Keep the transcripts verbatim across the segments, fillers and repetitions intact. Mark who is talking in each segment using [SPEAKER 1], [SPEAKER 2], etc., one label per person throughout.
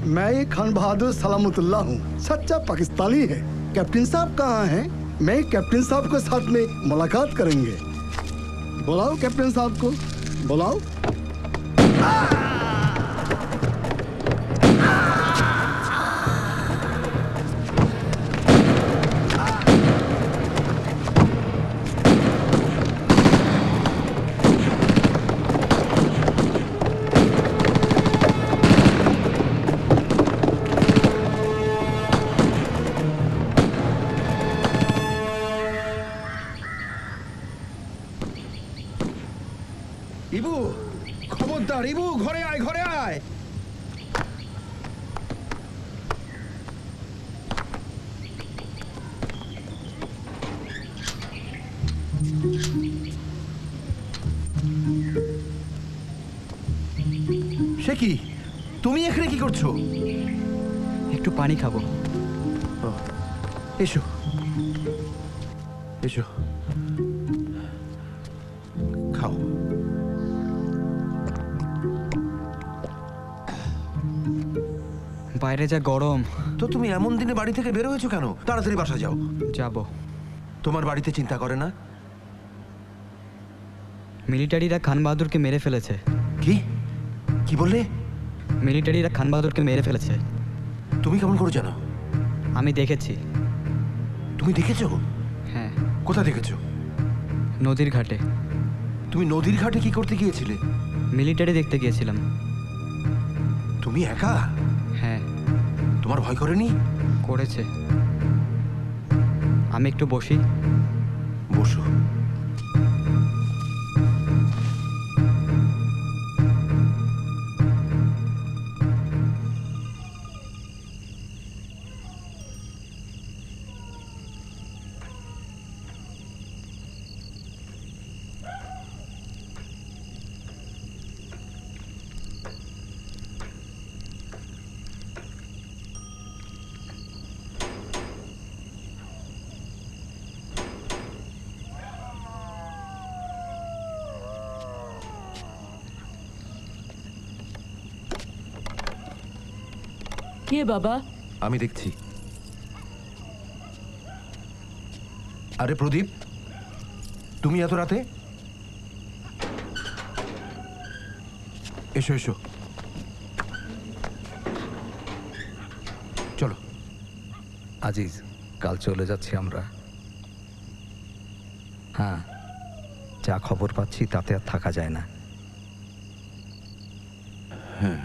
[SPEAKER 1] मैं ये खान बहादुर सलामतुल्लाह हूँ, सच्चा पाकिस्तानी है। कैप्टन साहब कहाँ हैं? मैं कैप्टन साहब के साथ में मुलाकात करेंगे। बुलाओ कैप्टन साहब को, बुलाओ।
[SPEAKER 2] ইবু, খবরদার ইবু, ঘরে আয়, ঘরে আয়। সে কি, তুমি এখানে কি করছো?
[SPEAKER 3] একটু পানি খাবো।
[SPEAKER 2] এসো এসো, খাও।
[SPEAKER 3] বাইরে যা গরম।
[SPEAKER 2] তো তুমি এমন দিনে বাড়ি থেকে বের হয়েছো কেন? তাড়াতাড়ি বাসা যাও।
[SPEAKER 3] যাব।
[SPEAKER 2] তোমার বাড়িতে চিন্তা করে না?
[SPEAKER 3] মিলিটারিরা খান বাহাদুরকে মেরে ফেলেছে।
[SPEAKER 2] কি কি বললে?
[SPEAKER 3] মিলিটারিরা খান বাহাদুরকে মেরে ফেলেছে।
[SPEAKER 2] তুমি কেমন করে জানো?
[SPEAKER 3] আমি দেখেছি।
[SPEAKER 2] তুমি দেখেছো?
[SPEAKER 3] হ্যাঁ।
[SPEAKER 2] কোথায় দেখেছো?
[SPEAKER 3] নদীর ঘাটে।
[SPEAKER 2] তুমি নদীর ঘাটে কি করতে গিয়েছিলে?
[SPEAKER 3] মিলিটারি দেখতে গিয়েছিলাম।
[SPEAKER 2] তুমি একা?
[SPEAKER 3] হ্যাঁ।
[SPEAKER 2] তোমার ভয় করেনি?
[SPEAKER 3] করেছে। আমি একটু বসি।
[SPEAKER 2] বসো।
[SPEAKER 4] কে বাবা?
[SPEAKER 2] আমি দেখছি। আরে প্রদীপ, তুমি এত রাতে? এসো এসো, চলো।
[SPEAKER 5] আজিজ, কাল চলে যাচ্ছি আমরা। হ্যাঁ, যা খবর পাচ্ছি তাতে আর থাকা যায় না।
[SPEAKER 2] হ্যাঁ,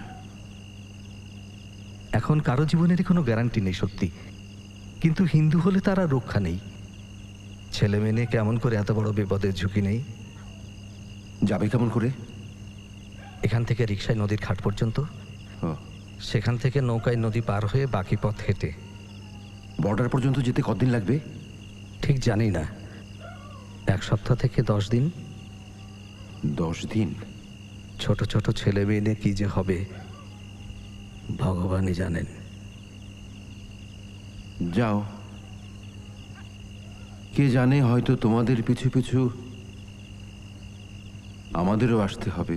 [SPEAKER 5] এখন কারো জীবনেরই কোনো গ্যারান্টি নেই সত্যি, কিন্তু হিন্দু হলে তার আর রক্ষা নেই। ছেলে মেয়ে কেমন করে এত বড় বিপদের ঝুঁকি নেই?
[SPEAKER 2] যাবে কেমন করে?
[SPEAKER 5] এখান থেকে রিকশায় নদীর ঘাট পর্যন্ত, সেখান থেকে নৌকায় নদী পার হয়ে বাকি পথ হেঁটে।
[SPEAKER 2] বর্ডার পর্যন্ত যেতে কতদিন লাগবে?
[SPEAKER 5] ঠিক জানি না, এক সপ্তাহ থেকে দশ দিন।
[SPEAKER 2] দশ দিন?
[SPEAKER 5] ছোট ছোট ছেলে মেয়ে নিয়ে কি যে হবে ভগবানই জানেন।
[SPEAKER 2] যাও, কে জানে হয়তো তোমাদের পিছু পিছু আমাদেরও আসতে হবে।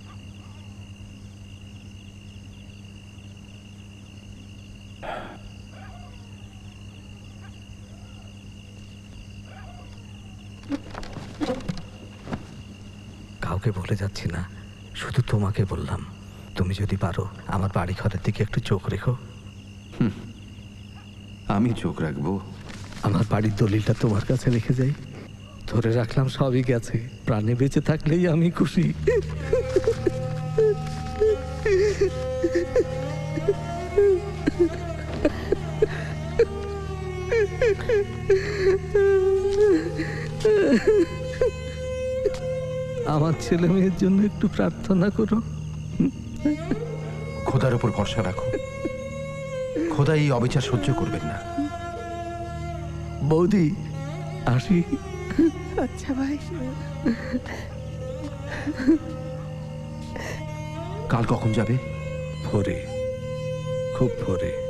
[SPEAKER 5] কাউকে বলে যাচ্ছি না, শুধু তোমাকে বললাম, তুমি যদি পারো আমার বাড়ি ঘরের দিকে একটু চোখ রেখো।
[SPEAKER 2] আমি চোখ রাখবো?
[SPEAKER 5] আমার বাড়ির দলিলটা তোমার কাছে রেখে যাই। ধরে রাখলাম সবই গেছে, প্রাণে বেঁচে থাকলেই আমি খুশি। আমার ছেলে মেয়ের জন্য একটু প্রার্থনা করো।
[SPEAKER 2] খোদার উপর ভরসা রাখো, খোদা এই অবিচার সহ্য করবেন না।
[SPEAKER 5] বৌদি, আসি।
[SPEAKER 6] আচ্ছা ভাই।
[SPEAKER 2] কাল কখন যাবে?
[SPEAKER 5] ভোরে, খুব ভোরে।